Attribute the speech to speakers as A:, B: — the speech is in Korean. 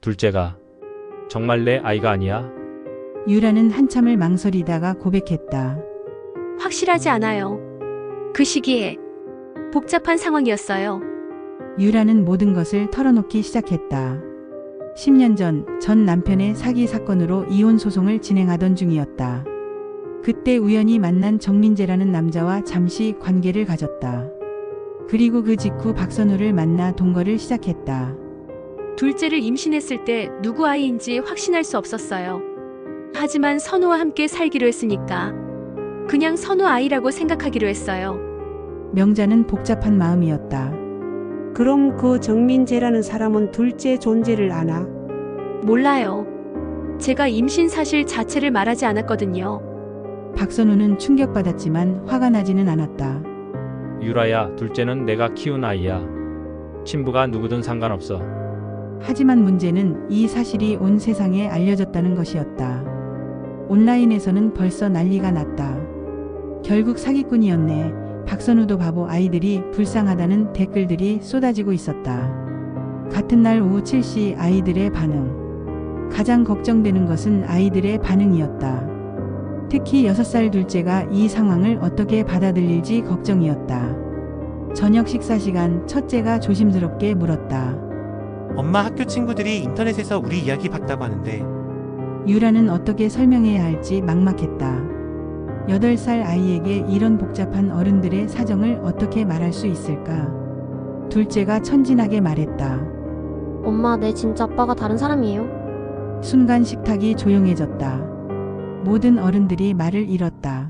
A: 둘째가 정말 내 아이가 아니야?
B: 유라는 한참을 망설이다가 고백했다.
C: 확실하지 않아요. 그 시기에 복잡한 상황이었어요.
B: 유라는 모든 것을 털어놓기 시작했다. 10년 전 남편의 사기 사건으로 이혼 소송을 진행하던 중이었다. 그때 우연히 만난 정민재라는 남자와 잠시 관계를 가졌다. 그리고 그 직후 박선우를 만나 동거를 시작했다.
C: 둘째를 임신했을 때 누구 아이인지 확신할 수 없었어요. 하지만 선우와 함께 살기로 했으니까 그냥 선우 아이라고 생각하기로 했어요.
B: 명자는 복잡한 마음이었다.
D: 그럼 그 정민재라는 사람은 둘째 존재를 아나?
C: 몰라요. 제가 임신 사실 자체를 말하지 않았거든요.
B: 박선우는 충격받았지만 화가 나지는 않았다.
A: 유라야, 둘째는 내가 키운 아이야. 친부가 누구든 상관없어.
B: 하지만 문제는 이 사실이 온 세상에 알려졌다는 것이었다. 온라인에서는 벌써 난리가 났다. 결국 사기꾼이었네. 박선우도 바보, 아이들이 불쌍하다는 댓글들이 쏟아지고 있었다. 같은 날 오후 7시 아이들의 반응. 가장 걱정되는 것은 아이들의 반응이었다. 특히 6살 둘째가 이 상황을 어떻게 받아들일지 걱정이었다. 저녁 식사 시간 첫째가 조심스럽게 물었다.
E: 엄마, 학교 친구들이 인터넷에서 우리 이야기 봤다고 하는데.
B: 유라는 어떻게 설명해야 할지 막막했다. 8살 아이에게 이런 복잡한 어른들의 사정을 어떻게 말할 수 있을까? 둘째가 천진하게 말했다.
F: 엄마, 내 진짜 아빠가 다른 사람이에요.
B: 순간 식탁이 조용해졌다. 모든 어른들이 말을 잃었다.